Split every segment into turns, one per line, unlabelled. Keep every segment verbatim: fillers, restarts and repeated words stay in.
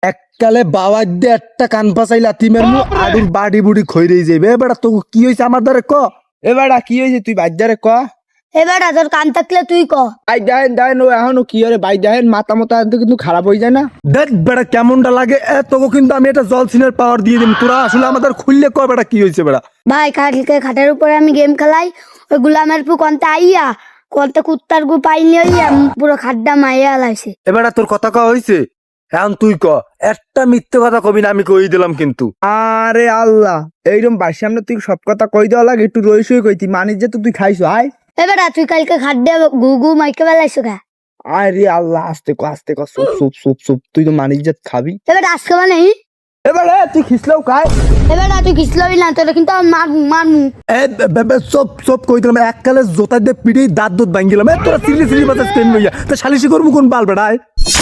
এককালে বাবার দিয়ে একটা কান পাচাই লাথি মারমু আডুর বাড়ি বুড়ি খইরেই যাইবে এবার তো কি হয়েছে আমার দ্বারে ক
এবার কি হয়েছে তুই বাজারে ক
এবার তোর কান থাকলে তুই ক।
ভাই দেখেন দেখেন ও এখনো কি হরে ভাই দেখেন মাথা মতো কিন্তু খারাপ হয়ে যায় না।
দেখ বেড়া কেমনটা লাগে এ তোকে কিন্তু আমি একটা জল সিনের পাওয়ার দিয়ে দিম তোরা আসলে আমাদের খুললে ক বেড়া কি হয়েছে বেড়া।
ভাই কালকে খাটের উপরে আমি গেম খেলাই ওই গুলামের পু কন্তে আইয়া কন্তে কুত্তার গু পাইনি হইয়া পুরো খাড্ডা মাইয়া লাইছে।
এবার তোর কথা ক হয়েছে এখন তুই ক একটা মিথ্যে কথা কবি না আমি কই দিলাম কিন্তু।
আরে আল্লাহ এইরকম বাড়ির সামনে তুই সব কথা কই দেওয়া লাগে একটু রই সই কইতি মানিস যে তো তুই খাইছো আয়।
এবার তুই কালকে খাড্ডে গু গু মাইকে বেলাইছো গা।
আরে আল্লাহ আস্তে কো আস্তে কো সুপ সুপ সুপ সুপ তুই তো মানিস যে খাবি।
এবার আজকে মানে
এবার তুই খিসলেও খায়।
এবার তুই কিসলবি না তোরা কিন্তু আমার মারমু মারমু।
এ বে- বে- সব সব কই দিলাম এককালে জোতা দিয়ে পিড়ি দাঁত দুধ ভাঙ্গিলাম এ তোরা সিলি সিলি বাজার স্টেন লইয়া তো সালিশি করবো কোন বাল বেড়ায়।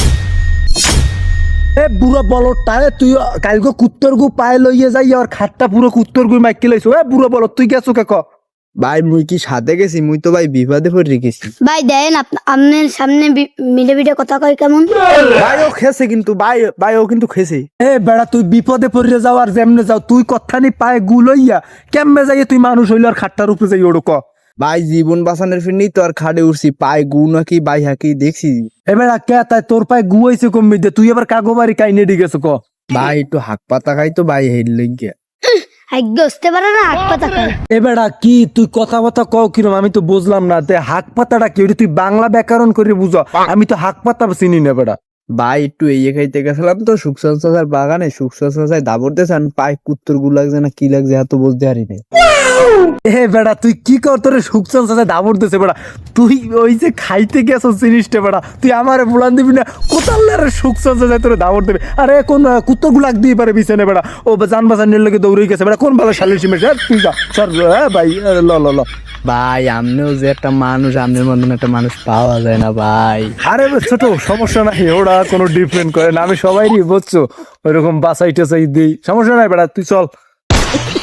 এ বুড়ো বলটায় তুই কালকে কুত্তর গু পায়ে লইয়ে যাই আর খাটটা পুরো কুত্তর গু মাইকে লাইছো এ বুড়ো বল তুই গেছো কে ক।
ভাই মুই কি সাথে গেছি মুই তো ভাই বিপদে পড়ে গেছি।
ভাই দেন আপনার সামনে বি- মিলে মিলে কথা কই কেমন।
ভাই ও খেছে কিন্তু ভাই ভাই ও কিন্তু খেছে।
এ বেড়া তুই বিপদে পড়ে যাও আর যেমনে যাও তুই কথানি পায়ে গু লইয়া কেমনে যাইয়ে তুই মানুষ হইল আর খাটটার উপরে যাই ওড়ো ক।
ভাই জীবন বাঁচানোর ফিরনি তো আর খাড়ে উঠছি পায়ে গু নাকি ভাই হাকি দেখছি।
এবার কে তাই তোর পায়ে গু হইছে কমবি দে তুই এবার কাগো বাড়ি কাইনে ডি গেছো ক।
ভাই একটু হাক পাতা খাই তো ভাই হেড লেগে।
আজ্ঞ আসতে পারে না হাত পাতা খাই।
এবেড়া কি তুই কথা কথা কও কিরম আমি তো বুঝলাম না তে হাক পাতাটা কি ওটা তুই বাংলা ব্যাকরণ করে বুঝো আমি তো হাক পাতা চিনি না বেড়া।
ভাই একটু এই খাইতে গেছিলাম তো সুখসান চাচার বাগানে সুখসান চাচায় দাবর দিয়েছেন পায়ে কুত্তর গু লাগছে না কি লাগছে এত বলতে পারি না।
এ বেড়া তুই কি কর তোর সুখচান সাথে দাবর দিছে বেড়া তুই ওই যে খাইতে গেছো জিনিসটা বেড়া তুই আমারে বুলান দিবি না কোথাল সুখচান সাথে তোর দাবর দেবে আরে কোন কুত্তর গুলাক দিয়ে পারে বিছানে বেড়া ও জান বাজানের লোকে দৌড়ে গেছে বেড়া কোন ভালো শালির সিমের তুই যা সর হ্যাঁ ভাই আরে ল ল ল।
ভাই আমনেও যে একটা মানুষ আমনের মতন একটা মানুষ পাওয়া যায় না ভাই।
আরে ছোট সমস্যা নাই ওরা কোনো ডিফারেন্ট করে না আমি সবাইরই বুঝছো ওইরকম বাসাই টাসাই দিই সমস্যা নাই বেড়া তুই চল।